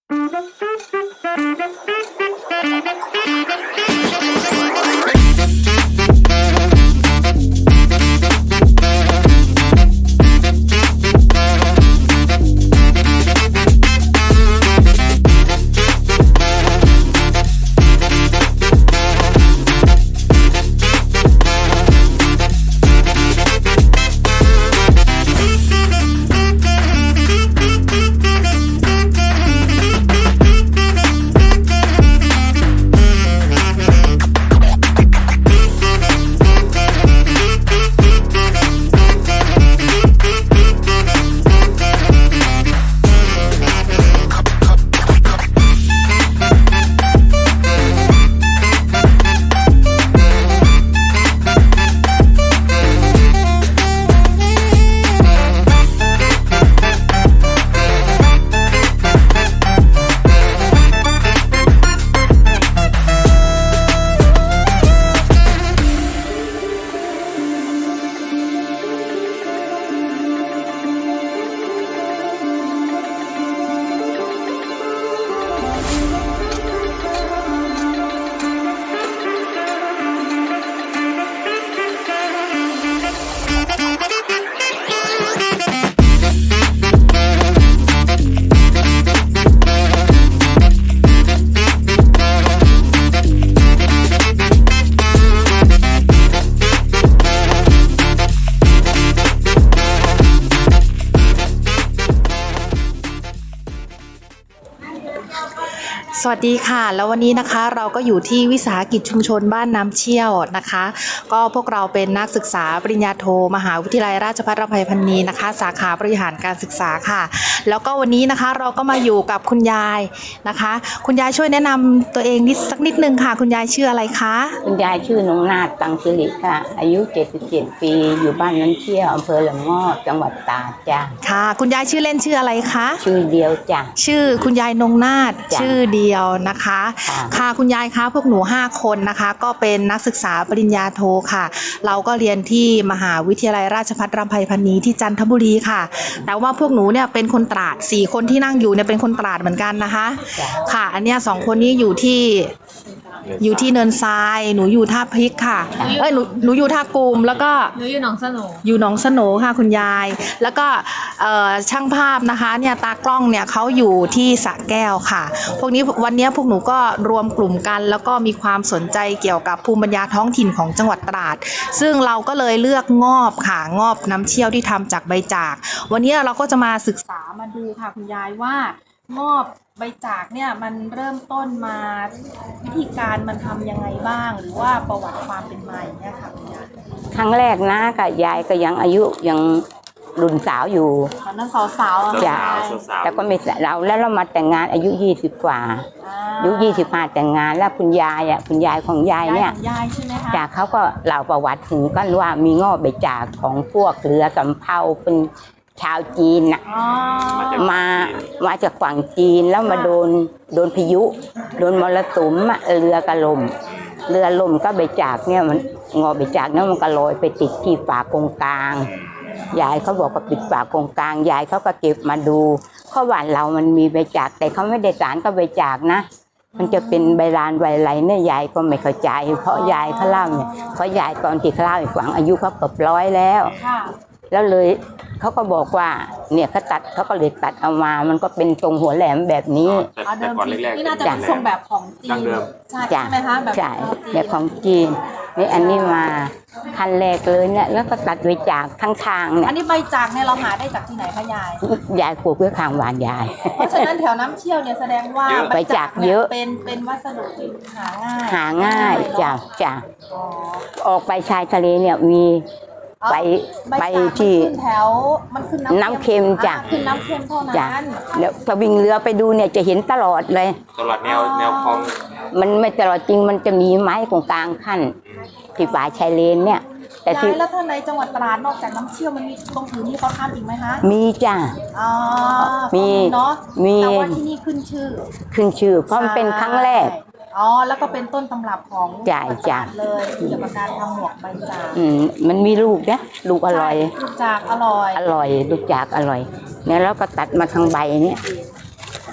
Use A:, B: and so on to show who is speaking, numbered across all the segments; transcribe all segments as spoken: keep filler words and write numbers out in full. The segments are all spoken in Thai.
A: สวัสดีค่ะแล้ววันนี้นะคะเราก็อยู่ที่วิสาหกิจชุมชนบ้านน้ำเชี่ยวนะคะก็พวกเราเป็นนักศึกษาปริญญาโทมหาวิทยาลัยราชภัฏอภัยพันนีนะคะสาขาบริหารการศึกษาค่ะแล้วก็วันนี้นะคะเราก็มาอยู่กับคุณยายนะคะคุณยายช่วยแนะนำตัวเองนิดสักนิดนึงค่ะคุณยายชื่ออะไรคะ
B: คุณยายชื่อนงนาถตังสิริค่ะอายุเจ็ดสิบเจ็ดปีอยู่บ้านน้ำเชี่ยวอำเภอหลวงงอบจังหวัดตากจ้ะ
A: ค่ะคุณยายชื่อเล่นชื่ออะไรคะ
B: ชื่อเดียวจ้ะ
A: ชื่อคุณยายนงนาถชื่อเดียวนะคะค่ะคุณยายคะพวกหนูห้าคนนะคะก็เป็นนักศึกษาปริญญาโทค่ะเราก็เรียนที่มหาวิทยาลัยราชภัฏอภัยพันนีที่จันทบุรีค่ะแต่ว่าพวกหนูเนี่ยเป็นคนตราดสี่คนที่นั่งอยู่เนี่ยเป็นคนตราดเหมือนกันนะคะค่ะอันเนี้ยสองคนนี้อยู่ที่อยู่ที่เนินทรายหนูอยู่ท่าพริกค่ะเอ้ยหนูหนูอยู่ท่ากูมแล้วก็
C: หนูอยู่หนองสโหน
A: อยู่หนองสโหนค่ะคุณยายแล้วก็ช่างภาพนะคะเนี่ยตากล้องเนี่ยเขาอยู่ที่สระแก้วค่ะพวกนี้วันนี้พวกหนูก็รวมกลุ่มกันแล้วก็มีความสนใจเกี่ยวกับภูมิปัญญาท้องถิ่นของจังหวัดตราดซึ่งเราก็เลยเลือกงอบค่ะงอบน้ำเชี่ยวที่ทำจากใบจากวันนี้เราก็จะมาศึกษามาดูค่ะคุณยายว่างอบใบจากเนี่ยมันเริ่มต้นมาวิธีการมันทำยังไงบ้างหรือว่าประวัติความเป็นมาอย่างเงี้ยค่ะคุณยาย
B: ครั้งแรกนะกับยายก็ยังอายุยังรุ่นสาวอยู่
A: ตอนนั้นสาวๆ
B: จ้ะแต่ก็ไม่เราแล้วเรามาแต่งงานอายุยี่สิบกว่าอายุยี่สิบห้าแต่งงานแล้วคุณยายอ่ะคุณยายของยายเนี่ยจากเขาก็เล่าประวัติถึงกันว่ามีงอกใบจากของพวกเรือสำเภาเป็นชาวจีนน่ะมามาจากฝั่งจีนแล้วมาโดนโดนพายุโดนมรสุมเรือกระล่มเรือล่มก็ใบจากเนี่ยมันงอใบจากเนี่ยมันก็ลอยไปติดที่ฝากงกลางยายเขาบอกว่าติดฝากงกลางยายเขาก็เก็บมาดูเพราะว่าเรามันมีใบจากแต่เขาไม่ได้สารกับใบจากนะมันจะเป็นใบลานใบอะไรเนี่ยยายก็ไม่เข้าใจเพราะยายเขาเล่าเนี่ยเพราะยายตอนที่เขาเล่าอีกฝั่งอายุเขาเกือบร้อยแล้วแล้วเลยเขาก็บอกว่าเนี่ยเขาตัดเขาก็เลยตัดเอามามันก็เป็นทรงหัวแหลมแบบนี้
A: แต่ก่อนแรกๆนี่น่าจะเป็นทรงแบบของจีนใช่ไหมคะแบบ
B: ใช่แบบของจีนนี่อันนี้มาคันแรกเลยเนี่ยแล้วก็ตัดใบจากทั้งทางเนี่ย
A: อันนี้ใบจากเนี่ยเราหาได้จากที่ไหนคะยาย
B: ยายปลูกไว้ข้างบ้านยาย
A: เพราะฉะนั้นแถวน้ำเชี่ยวเนี่ยแสดงว่า
B: ใบจากเยอะ
A: เป็นเป็นวัสดุที่หาง่าย
B: หาง่ายจ้ะจ้ะออกไปชายทะเลเนี่ยมีไปไปที่
A: แถวมันขึ้น
B: น้ำเค็มจ้ะ
A: ขึ้นน้ำเค็มเท่านั้น
B: แล้วถ้าวิ่งเรือไปดูเนี่ยจะเห็นตลอดเลย
D: ตลอดแนวแนวคลอง
B: มันไม่ตลอดจริงมันจะมีไม้ตรงกลางขั้นที่ป่าชายเลนเนี่ย
A: แต่ที่แล้วท่านในจังหวัดตราดนอกจากน้ำเชี่ยวมันมีตรงอื่นที่เขาทำอีกไหมคะ
B: มีจ้ะ
A: อ๋อ
B: มี
A: เนาะ
B: มี
A: แต่ว่าที่นี่ขึ้นชื่อ
B: ขึ้นชื่อเพราะมันเป็นครั้งแรก
A: อ๋อแล้วก็เป็นต้นตำรับของ
B: จ่ายจ่า
A: เลยเกี่ยวกับการทำหมวกใบจาก
B: อืมมันมีลูกนะลูกอร่อย
A: ลูกจากอร่อย
B: อร่อยลูกจากอร่อยเนี่ยแล้วก็ตัดมาทางใบเนี่ย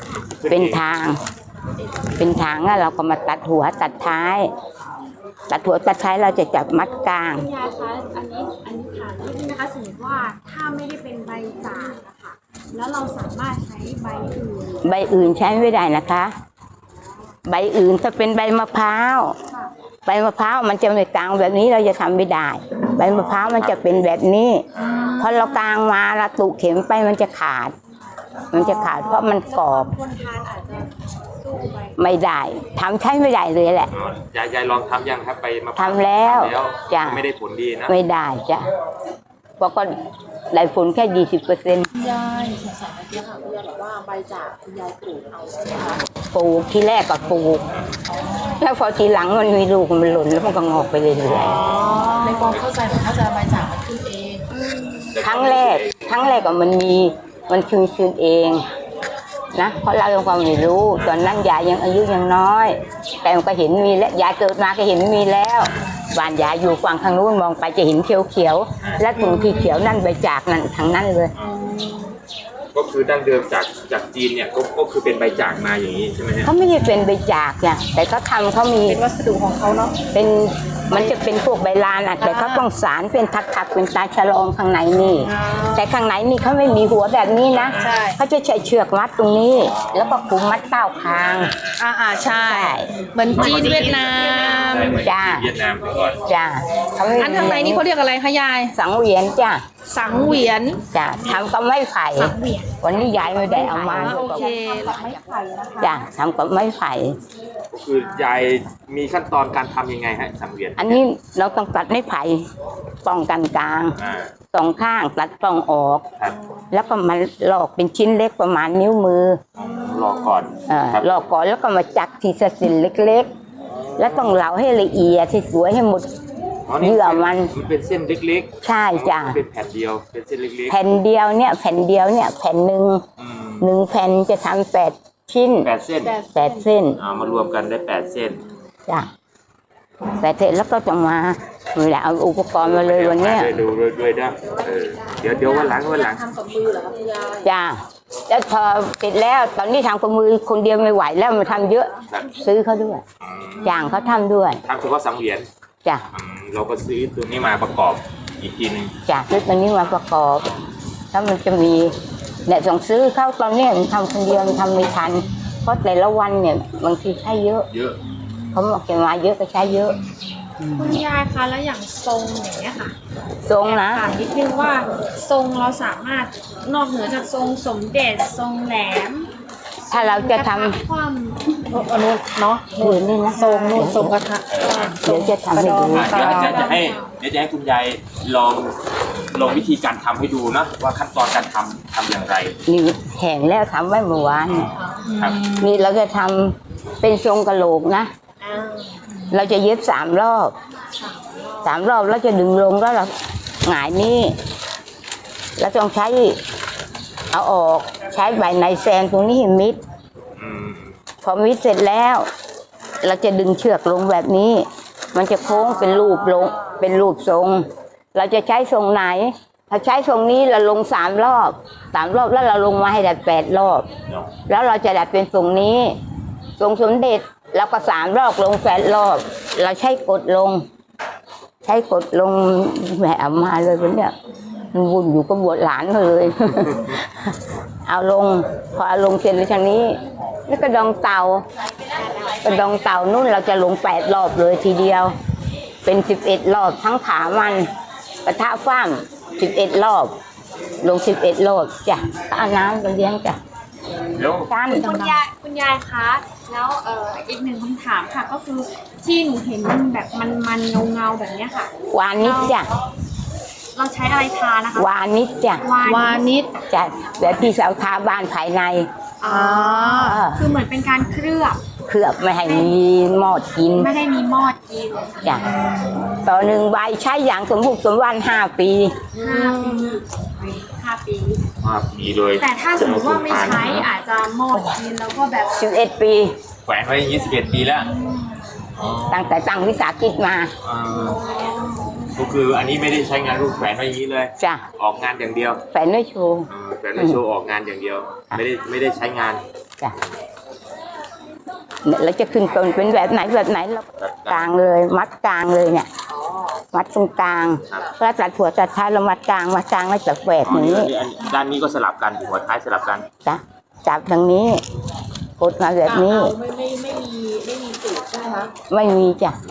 B: เป็นทาง เป็นทางแล้วเราก็มาตัดหัวตัดท้าย ตัดหัวตัดท้ายเราจะจับมัดกลาง
C: คุณยายคะอันนี้อันนี้ถามนิดนึงนะคะสมมติว่าถ้าไม่ได้เป็นใบจากนะคะแล้วเราสามารถใช้ใบอื่น
B: ใบอื่นใช้ไม่ได้นะคะ ใบอื่นถ้าเป็นใบมะพร้าว
C: ค่ะ
B: ใบมะพร้าวมันจะไม่กลางแบบนี้เราจะทำไม่ได้ ใบมะพร้าวมันจะเป็นแบบนี้พอเรากลางมาเราตุเข็มไปมันจะขาด มันจะขาดเพราะมันกรอบ
C: คนทานอาจจะสู้ใบ
B: ไม่ได้ทำใช้ไม่ได้เลยแหละ
D: อ๋อยายยายลองทำยังครับไปมา
B: ทำแล้ว
D: ทำแล้ว
B: จ้ะ
D: ไม่ได้ผลดีนะ
B: ไม่ได้จ้ะเพราะก็ได้ผลแค่ยี่สิบเปอร์เซ็นต์
A: คุณยายสงสัยเมื่อกี้ค่ะคุณยายบอกว่าใบจากคุณยายปลูกเอาใช่ไหมคะ
B: ปลูกที่แรกก็ปลูกแล้วพอทีหลังมันมีลูกมันหล่นแล้วมันก็งอกไปเรื่อย
A: ในความเข้าใจหนูเข้าใจใบจากมันขึ้นเอง
B: ๆครั้งแรกครั้งแรกก็มันมีมันคืนคืนเองนะเพราะเรายังความไม่รู้ตอนนั้นยายยังอายุยังน้อย แต่มันก็เห็นมีแล้วยายเกิดมาก็เห็นมีแล้วบ้านยายอยู่ฝั่งทางนู้นมองไปจะเห็นเขียวๆและตรงที่เขียวนั่นใบจากนั่นทางนั้นเลย
D: ก็คือดั้งเดิมจากจากจีนเนี่ยก็ก็คือเป็นใบจากมาอย่างนี้ใช่ไหมฮะ
B: เขาไม่ได้เป็นใบจากเนี่ยแต่เขาทำเขามี
A: เป็นวัสดุของเขาเนาะ
B: เป็นมันจะเป็นพวกใบลานอ่ะแต่เขาต้องสารเป็นทักๆเป็นตาฉลองข้างในนี่ แต่ข้างในนี่เขาไม่มีหัวแบบนี้นะ
A: ใช่
B: เขาจะใช้เชือกมัดตรงนี้ แล้วก็คุมมัดเต้าคาง
A: อ่าอ่าใช่ เหมือนจีนเวียดนาม
D: ได้ไหม
B: จ้า
D: เวียดนามไปก่อน
B: จ้าเขาไม่
A: อันทางในนี่เขาเรียกอะไรคะยาย
B: สังเวียนจ้า
A: สังเวียน
B: จ้าทำกับไม้ไผ่
C: สังเวียน
B: วันนี้ยายไม่ได้เอามา
A: โอเค
B: จ้าทำกับไม้ไผ่
D: ก็คือยายมีขั้นตอนการทำยังไงฮะสังเวียน
B: อันนี้เราต้องตัดไม้ไผ่ป้องกันกลาง
D: อ่า
B: สองข้างตัดปล้องออก
D: ครับ
B: แล้วก็มาลอกเป็นชิ้นเล็กประมาณนิ้วมือ
D: รอก่อน
B: เออ
D: ครับ
B: ลอกก่อนแล้วก็มาจักทีละสินเล็กๆ แล้วต้องเหลาให้ละเอียดให้สวยให้หมด
D: อ๋อ
B: เหยื่อมัน
D: มันเป็นเส้นเล็ก
B: ใช่
D: ๆ
B: จ้ะ
D: เป็นแผ่นเดียวเป็นเส้นเล็ก
B: แผ่นเดียวเนี่ยแผ่นเดียวเนี่ยแผ่นหนึ่ง
D: ๆอืม
B: หนึ่งแผ่นจะทำแปดชิ้น
D: แปดเส้น
B: แปดเส้น
D: อ่ามารวมกันได้แปดเส้น
B: จ้ะแปดเส้นแล้วก็จะมาไม่ได้เอาอุปกรณ์มาเลยวันเนี้ย
D: ดูด้วยด้วยนะเออเดี๋ยวเดี๋ยววันหลังวันหลัง
A: ทำกับมือเหรอคะคุณยาย
B: จ้ะแล้วพอปิดแล้วตอนนี้ทำกับมือคนเดียวไม่ไหวแล้วมันทำเยอะ
D: ครับ
B: ซื้อเขาด้วยจ้างเขาทำด้วย
D: ทำเฉพาะสังเวียน
B: จ้ะ
D: อืมเราก็ซื้อตัวนี้มาประกอบอีกทีหนึง
B: จ้ะซื้อตัวนี้มาประกอบถ้ามันจะมีเนี่ยต้องซื้อเข้าตอนเนี้ยมันทำคนเดียวมันทำไม่ทัน เพราะแต่ละวันเนี่ยบางทีใช้เยอะ
D: เยอะ
B: เขาบอกจะมาเยอะก็ใช้เยอะ
C: คุณยายคะแล้วอย่างทรงอย่างเงี้ยค่ะ
B: ทรงนะ
C: ถามนิดนึงว่าทรงเราสามารถนอกเหนือจากทรงสมเด็จทรงแหลม
B: ถ้าเราจะท
C: คว่
A: อันนู้นเนาะ
B: ำอื่นนี่นะ
A: ทรงนู่นทรงกระทะ
B: เดี๋ยวจะทำให้ดู
D: อ่ะเดี๋ยวเดี๋ยวจะให้เดี๋ยวจะให้คุณยายลองลองวิธีการทำให้ดูนะว่าขั้นตอนการทำทำอย่างไร
B: นี่แห้งแล้วทำไว้เมื่อวานเนี่ย
D: ครับ
B: นี่เราจะทำเป็นทรงกะโหลกนะ
C: ำอ่า
B: เราจะเย็บสามรอบสามรอบแล้วจะดึงลงแล้วเราหงายนี่แล้วต้องใช้เอาออกใช้ใบในแซนตรงนี้ให้มิด
D: อืม
B: พอมิดเสร็จแล้ว เราจะดึงเชือกลงแบบนี้ มันจะโค้งเป็นรูปลงเป็นรูปทรง เราจะใช้ทรงไหน ถ้าใช้ทรงนี้เราลงสามรอบสามรอบแล้วเราลงมาให้ได้แปดรอบ
D: เนาะ
B: แล้วเราจะดัดเป็นทรงนี้ทรงสมเด็จเราก็สามรอบลงแปดรอบ เราใช้กดลง ใช้กดลงแหมเอามาเลยวันเนี้ยมันวุ่นอยู่ก็บวชหลานมาเลย เอาลงพอเอาลงเสร็จแล้วทางนี้ แล้วก็ดองเตากระดองเต่านู่นเราจะลงแปดรอบเลยทีเดียว เป็นสิบเอ็ดรอบทั้งขามันกระทะฟ้ามสิบเอ็ดรอบ ลงสิบเอ็ดรอบจ้ะเอาน้ำไปเลี้ยงจ้ะ
D: เดี๋ยว
B: จาน
C: คุณยายคุณยายคะแล้วเอ่ออีกหนึ่งคำถามค่ะ ก็คือที่หนูเห็นมันแบบมันมันเงาเงาๆแบบเนี้ยค่ะ
B: วานิดจ้ะ
C: เราใช้อะไรทานะคะ
B: วานิดจ้ะ
A: วานิช
B: จ้ะแบบพี่สาวทาบ้านภายใน
C: อ๋อคือเหมือนเป็นการเคลือบ
B: เคลือบไม่ให้มีหมอดกิน
C: ไม่ให้มีมอดกิน
B: จ้ะต่อหนึ่งใบใช้อย่างสมบุกสมวันห้าปี
C: ห้าปีห้าปี
D: ภาพดีเลย
C: แต่ถ้าสมมติว่าไม่ใช้อาจจะมอดกินแล้วก็แบบ
B: สิบเอ็ดปี
D: แขวนไว้ยี่สิบเอ็ดปีแล้วอ๋อ
B: ตั้งแต่ตั้งวิสาหกิจมา
D: อ่าก็คืออันนี้ไม่ได้ใช้งานรูปแขวนไว้อย่างนี้เลย
B: จ้ะ
D: ออกงานอย่างเดียว
B: แฟนไม่โชว์
D: อ่าแขวนไว้โชว์ออกงานอย่างเดียว ไม่ได้ไม่ได้ใช้งาน
B: จ้ะเนี่ยเราจะขึ้นต้นเป็นแบบไหนแบบไหนเรากลางเลยมัดกลางเลยเนี่ยมัดตรงกลางแล้วตัดหัวตัดท้ายเรามัดกลางมัดกลางแล้วจะแหวก
D: อ๋อ
B: อย่าง
D: นี่
B: นี้
D: อันนี้ด้านนี้ก็สลับกันหัวท้ายสลับกัน
B: จ้ะจับทางนี้กดมาแบบนี้
A: เอาไม่ไม่ไม่มีไม่มีสูตรใช่ไหมคะ
B: ไม่มีจ้ะ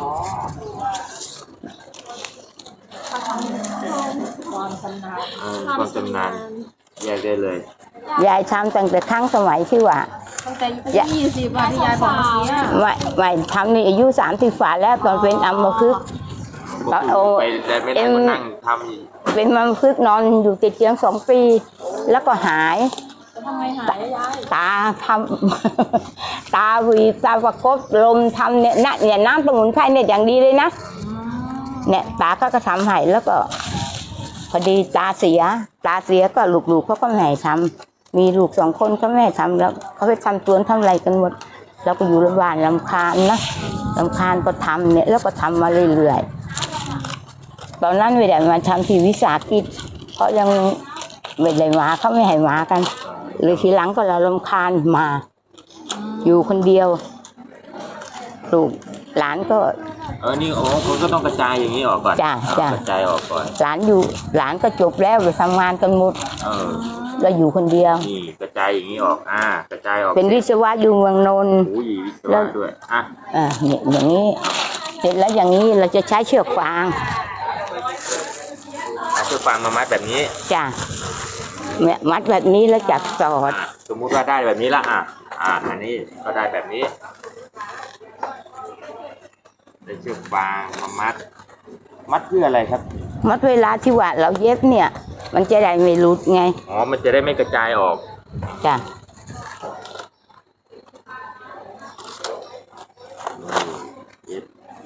A: ความชำนาญ
D: เออความชำนาญแยกได้เลย
B: ยายทำตั้งแต่ครั้งสมัยที่ว่า
A: ตั้งแต่อายุยี่สิบวันที่ยายบอกเมื่อกี้อะ
B: ไม่ไม่ทำนี่อายุสามสิบฝ่าแล้วตอนเป็นอัมพฤกษ์
D: ก็คือไปแต่ไม่ได้มานั่งทำอีก
B: เป็นอัมพฤกษ์นอนอยู่ติดเตียงสองปี แล้วก็หาย
A: ทำไมหายยาย
B: ตาทำ ตาวีตาประกบลมทำเนี่ยนะเนี่ยน้ำสมุนไพรเนี่ยอย่างดีเลยนะเนี่ยตาก็กระทำให้แล้วก็พอดีตาเสีย ตาเสียก็ลูกๆเขาก็ไม่ให้ทำมีลูกสองคนก็ไม่ให้ทำแล้วเขาไปทำสวนทำอะไรกันหมดแล้วก็อยู่โรงพยาบาลลำคาญนะลำคาญก็ทำเนี่ยแล้วก็ทำมาเรื่อยๆตอนนั้นไม่ได้มาทำที่วิสาหกิจเพราะยังไม่ได้มาเขาไม่ให้มากันเลยทีหลังก็เราลำคาญมา อยู่คนเดียวลูกหลานก็
D: เออนี่โอ้คุณก็ต้องกระจายอย่างนี้ออกก่อน
B: จ้ะจ้ะ
D: กระจายออกก่อน
B: หลานอยู่หลานก็จบแล้วไปทำงานกันหมด
D: เออ
B: เราอยู่คนเดียว
D: นี่กระจายอย่างนี้ออกอ่ากระจายออก
B: เป็นวิศวะอยู่เมืองนนท์
D: โอ้ยวิศวะด้วยอ่ะ
B: อ่าเนี่ยอย่างนี้เสร็จแล้วอย่างนี้เราจะใช้เชือกฟาง
D: เอาเชือกฟางมามัดแบบนี้
B: จ้ะเนี่ยมัดแบบนี้แล้วจับสอด
D: อ่ะสมมุติว่าได้แบบนี้ละอ่ะอ่ะอันนี้ก็ได้แบบนี้ได้เชือกฟางมามัด มัดเพื่ออะไรครับ
B: มัดเวลาที่ว่าเราเย็บเนี่ย มันจะได้ไม่หลุดไง
D: อ๋อมันจะได้ไม่กระจายออก
B: จ้ะ
D: เย็บ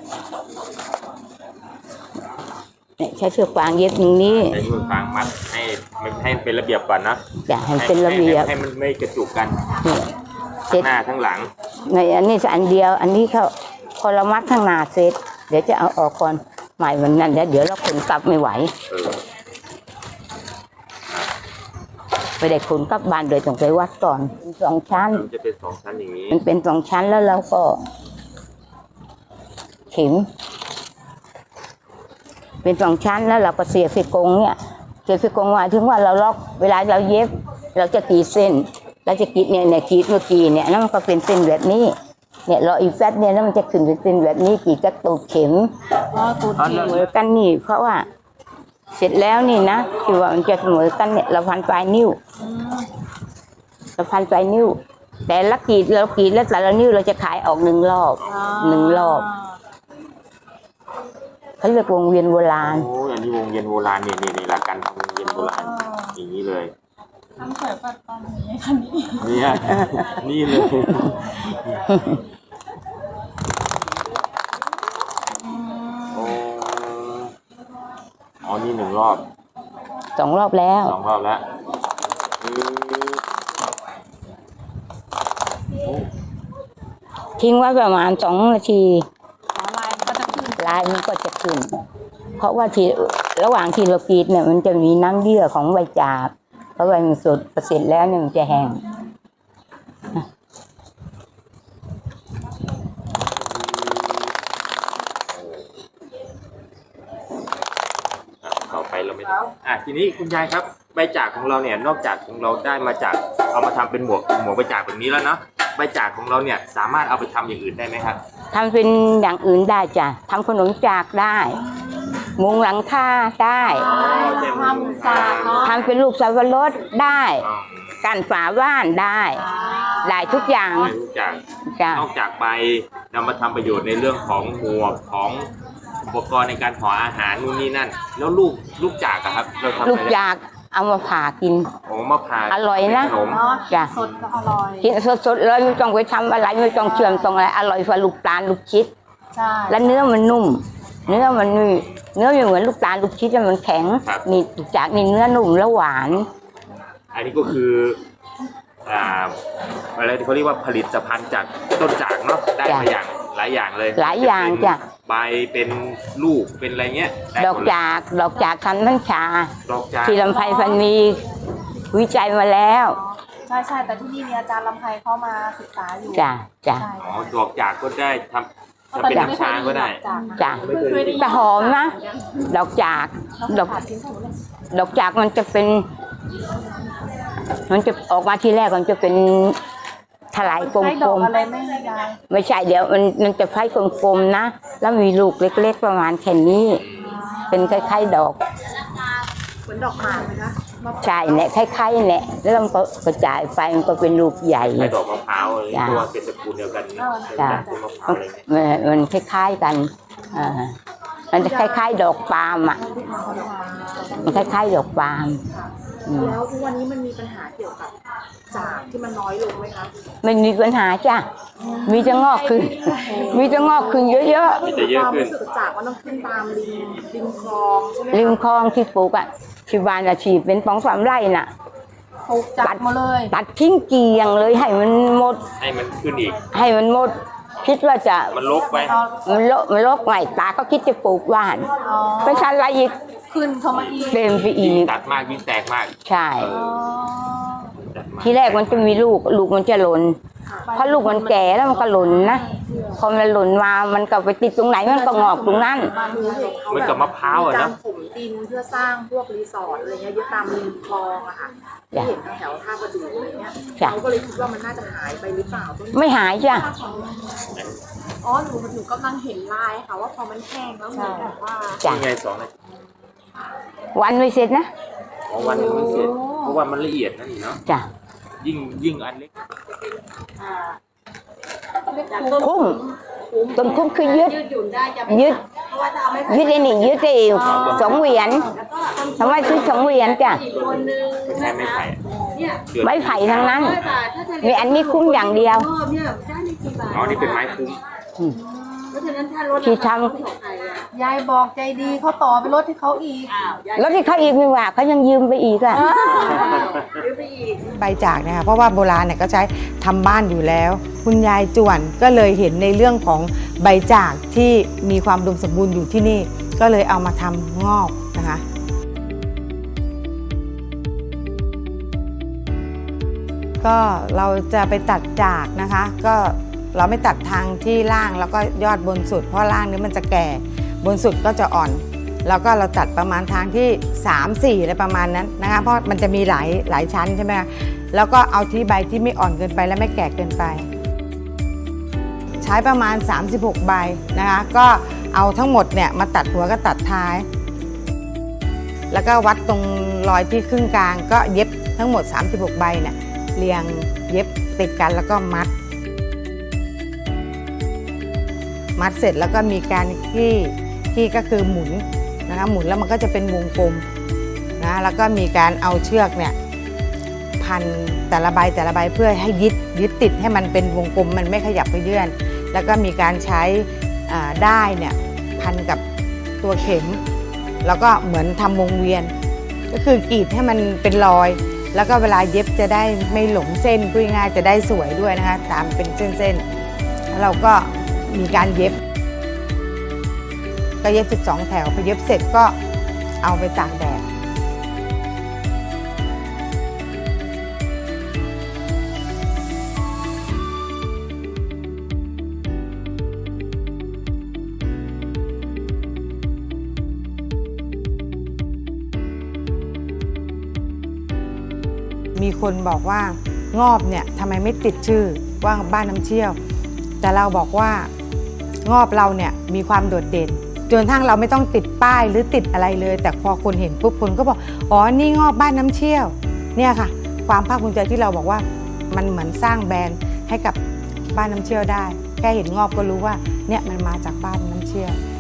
B: เนี่ยใช้เชือกฟางเย็บอย่างนี้
D: ใช้เชือกฟางมัดให้มันให้เป็นระเบียบก่อนนะ
B: จ้ะให้เป็นระเบียบ
D: ให้ให้มันไม่กระจุกกัน
B: เนี่ยเสร็
D: ทั้
B: จ
D: งหน้าทั้งหลัง
B: ในอันนี้อันเดียว อันนี้เขาพอเรามัดข้างหน้าเสร็จ เดี๋ยวจะเอาออกก่อนใหม่วันนั้นเดี๋ยวเดี๋ยวเราขนกลับไม่ไหว
D: เออ
B: ไปได้ขนกลับบ้านโดยต้องไปวัดก่อนเป็นสองชั้น
D: มันจะเป็นสองชั้นอย่างนี้
B: มันเป็นสองชั้นแล้วเราก็ เข็ม เป็นสองชั้นแล้วเราก็เสียบไฟกงเนี่ยเสียบไฟกงหมายถึงว่าเราล็อกเวลาเราเย็บ เราจะกรีดเส้นเราจะกรีดเนี่ยเนี่ยกรีดเมื่อกี้เนี่ยแล้วมันก็เป็นเส้นแบบนี้ เนี่ยเราอีกแฟตเนี่ยแล้วมันจะขึ้นเป็นเส้นแบบนี้กรีดกระตูดเข็ม
A: อ๋อตูด
B: เสมอกันนี่ เพราะว่า เสร็จแล้วนี่นะคือว่ามันจะเสมอกันเนี่ยเราพันปลายนิ้วเราพันปลายนิ้ว แต่ละกรีดเรากรีดแล้วแต่ละนิ้วเราจะขายออกหนึ่งรอบหนึ่งรอบเขาเรียกวงเวียนโบราณ
D: โอ้ยอันนี้วงเวียนโบราณนี่นี่นี่หลักการทำวงเวียนโบราณอย่างนี้เลย
A: ทำสวยปัดตอนนี้คันนี้
D: เนี่ยนี่เลยโอ้อ๋อนี่หนึ่งรอบ
B: สองรอบแล้ว
D: สองรอบแล้วอืมโอ้
B: ทิ้งไว้ประมาณสองนาที
A: ลายก็จะขึ้น
B: ลายมันก็จะขึ้น เพราะว่าที่ระหว่างที่เรากรีดเนี่ยมันจะมีน้ำเยื่อของใบจากเพราะใบมันสดพอเสร็จแล้วเนี่ยมันจะแห้ง
D: อ่ะต่อไปเราไม่ได้อ่ะทีนี้คุณยายครับใบจากของเราเนี่ยนอกจากของเราได้มาจากเอามาทำเป็นหมวกหมวกใบจากแบบนี้แล้วเนาะใบจากของเราเนี่ยสามารถเอาไปทำอย่างอื่นได้ไหมครับ
B: ทำเป็นอย่างอื่นได้จ้ะทำขนมจากได้ มุงหลังคาได้
A: ทำจากเนาะ
B: ทำเป็นลูกสับปะรดได้
D: อ๋อ
B: กันฝาบ้านได้ ได้ทุกอย่าง
D: ได้ทุกอย่าง
B: จ้ะ
D: นอกจากใบนำมาทำประโยชน์ในเรื่องของหมวกของอุปกรณ์ในการห่ออาหารนู่นนี่นั่น แล้วลูกลูกจากอะครับเราทำ
B: ลู
D: อะ
B: ก
D: ไร
B: จากเอามาผ่ากิน
D: โอ้มะพร้าว
B: อร่อยนะ
D: เป็ขนม
A: เนาะ
B: จ้ะ
A: สดก็อร่อย
B: กินสดๆเลยไม่ต้องไปทำอะไรไม่ต้องเชื่อมตรงอะไรอร่อยกว่าลูกตาลลูกชิด
A: ใช่
B: และเนื้อมันนุ่ม เนื้อมันนี่เนื้อไม่เหมือนลูกตาลลูกชิดมันแข็งนี่ลูกจากนี่เนื้อนุ่มและหวาน
D: อันนี้ก็คืออ่าอะไรที่เขาเรียกว่าผลิตภัณฑ์จากต้นจากเนาะได้มาอย่างหลายอย่างเลย
B: หลายอย่างจ้ะ
D: ใบเป็นลูกเป็นอะไรเงี้ยไ
B: ดอก
D: หมเลย
B: จากดอกจากคันทั้งชา
D: ดอกจาก
B: ที่ลำไพพันมีวิจัยมาแล้ว
A: ใช่ใช่แต่ที่นี่มีอาจารย์ลำไพเข้ามาศึกษาอยู่
B: จ้ะจ้ะ
A: ใช่
D: อ๋อดอกจากก็ได้ทำทำเป็นน้ำชาก็ได้
B: จ้ะแต่หอมนะ ดอกจากดอกดอกจากมันจะเป็น มันจะออกมาทีแรกมันจะเป็นถลายกล
A: ใช้ดอก
B: ม
A: อะไรไม่ยาย
B: ๆไม่ใช่เดี๋ยวมันมันจะไฟกลมๆนะแล้วมีลูกเล็กๆประมาณแค่นี้ เป็นคล้ายๆดอก
A: เหมือนดอกหมากไหมคะมะพร้าว
B: ใช่เนี่ยคล้ายๆเนี่ยแล้วมันก็กระจายไปมันก็เป็นลูกใหญ่
D: ใช้ดอกมะพร้าวอะไร
B: จ้ะ
D: ตัวเป็นตระกูลเดียวกันนะ
B: จ้ะ
D: เป็นต้นมะพร้าวอะไรเงี้ย
B: มันมันคล้ายๆกันอ่ามันจะคล้ายๆ ดอกปาล์มอ่ะมันคล้ายๆดอกปาล์มอืม
A: แล้วทุกวันนี้มันมีปัญหาเกี่ยวกับจากที่มันน้อยลงไหมคะ
B: ไม่มีปัญหาจ้ะมีจะงอกขึ้น มีจะงอกขึ้นเยอะ
D: มีแต่เยอะ
A: ความ
D: ขึ้น
A: รู้สึกจากว่าต้องขึ้นตามริมริมคลองใช่ไหม
B: ๆริมคลองที่ปลูกอ่ะที่บ้านอาชีพเป็นสองสามไร่น่ะ
A: ปลูกจัดมาเลย
B: ตัดทิ้งเกลียงเลยให้มันหมด
D: ให้มันขึ้นอีก
B: ให้มันหมด คิดว่าจะ
D: มันลกไป
B: มันโลมันโลกใหม่ตาก็คิดจะปลูกบ้าน
A: อ๋อ
B: ไปชันอะไรอีก
A: ขึ้นเข้ามาอีก
B: เต็มไปอี
D: ยิ่ง
B: ก
D: ตัดมากยิ่งแตกมาก
B: ใช่
D: เอ
A: อ๋อ
D: อตัดมาก
B: ที่แรกมันจะมีลูก ลูกมันจะหล่นเพราะลูกมันแก่แล้วมันก็หล่นนะพอมันหล่นมามันก็ไปติดตรงไหนมันก็งอกตรงนั้น
A: มาดูเห็นเขา
D: เหมือน
A: แบ
D: กับบ มะพร้าวอะ
A: กา
D: เน
A: ร
D: อะ
A: ถมดินเพื่อสร้างพวกรีสอร์ทอะไรเงี้ยเยอะตามริมคลองอะค่ะที่เห็นแถวท่าประดูอะไรเงี้ย
B: จ้ะ
A: เขาก็เลยคิดว่ามันน่าจะหายไปหรือเปล่าต้น
B: ไม่หายจ้ะ
C: อ๋อหนูหนูกำลังเห็นลายค่ะว่าพอมันแห้งแล้วเหมือนแบบว่า
B: จ้ะ
D: ยังไงสองนาที
B: วันไม่เสร็จนะ
D: อ๋อวันหนึงไม่เสร็จเพราะว่ามันละเอียดนั่นนี่เนาะ
B: จ้ะ
D: ยิ่งยิ่งอันเล็ก
B: คุ้มต้นคุ้มคือยึด
C: ยืดหยุ่นได้จะ
B: ยึด
C: เพราะว่าจะเอาไม่
B: ยึดไอ้นี่ยึดไอ้สองเหวียนทำไมซื้อสองเหวียนจ้ะ
C: อีกคนนึง
D: ใช้ไม้ไผ่อะ
C: เนี่ย
D: เดือด
B: ไม้ไผ่ทั้งนั้น
C: ร้อยบาทถ้าจะ
B: มีอันนี้คุ้มอย่างเดียว
C: เพิ่มเนี่ยได้ไม่กี่บาท
D: อ๋อนี่เป็นไม้คุ้ม
C: เพราะฉะนั้นถ้ารถ
B: ที่ทำ
C: ของใครอ่ะ
A: ยายบอกใจดีเขาต่อไปรถที่เขาอีก
C: อ้าวย้าย
B: แล้วที่เขาอีกไม่ว่าเขายังยืมไปอีกอ่ะ
C: ซื้อไปอีก
E: ใบจากนะคะเพราะว่าโบราณเนี่ยก็ใช้ทำบ้านอยู่แล้ว คุณยายจวนก็เลยเห็นในเรื่องของใบจากที่มีความอุดมสมบูรณ์อยู่ที่นี่ ก็เลยเอามาทำงอกนะคะ ก็เราจะไปตัดจากนะคะ ก็เราไม่ตัดทางที่ล่างแล้วก็ยอดบนสุด เพราะล่างนี้มันจะแก่บนสุดก็จะอ่อน แล้วก็เราตัดประมาณทางที่สาม สี่อะไรประมาณนั้นนะคะเพราะมันจะมีหลายหลายชั้นใช่ไหมคะแล้วก็เอาที่ใบที่ไม่อ่อนเกินไปและไม่แก่เกินไป ใช้ประมาณสามสิบหกใบนะคะก็เอาทั้งหมดเนี่ยมาตัดหัวก็ตัดท้าย แล้วก็วัดตรงรอยที่ครึ่งกลางก็เย็บทั้งหมดสามสิบหกใบเนี่ยเรียงเย็บติดกันแล้วก็มัด มัดเสร็จแล้วก็มีการขี้ขี้ก็คือหมุนนะคะหมุนแล้วมันก็จะเป็นวงกลมนะแล้วก็มีการเอาเชือกเนี่ยพันแต่ละใบแต่ละใบเพื่อให้ยึดยึดติดให้มันเป็นวงกลมมันไม่ขยับไปเยื่อนแล้วก็มีการใช้อ่าด้ายเนี่ยพันกับตัวเข็ม แล้วก็เหมือนทำวงเวียน ก็คือกรีดให้มันเป็นรอย แล้วก็เวลาเย็บจะได้ไม่หลงเส้นพูดง่ายๆจะได้สวยด้วยนะคะตามเป็นเส้นๆแล้วเราก็มีการเย็บก็เย็บสิบสองแถวพอเย็บเสร็จก็เอาไปตากแดดมีคนบอกว่างอบเนี่ยทำไมไม่ติดชื่อว่าบ้านน้ำเชี่ยวแต่เราบอกว่างอบเราเนี่ยมีความโดดเด่นจนทั้งเราไม่ต้องติดป้ายหรือติดอะไรเลย แต่พอคนเห็นปุ๊บคนก็บอกอ๋อนี่งอบบ้านน้ำเชี่ยวเนี่ยค่ะความภาคภูมิใจที่เราบอกว่ามันเหมือนสร้างแบรนด์ให้กับบ้านน้ำเชี่ยวได้แค่เห็นงอบก็รู้ว่าเนี่ยมันมาจากบ้านน้ำเชี่ยว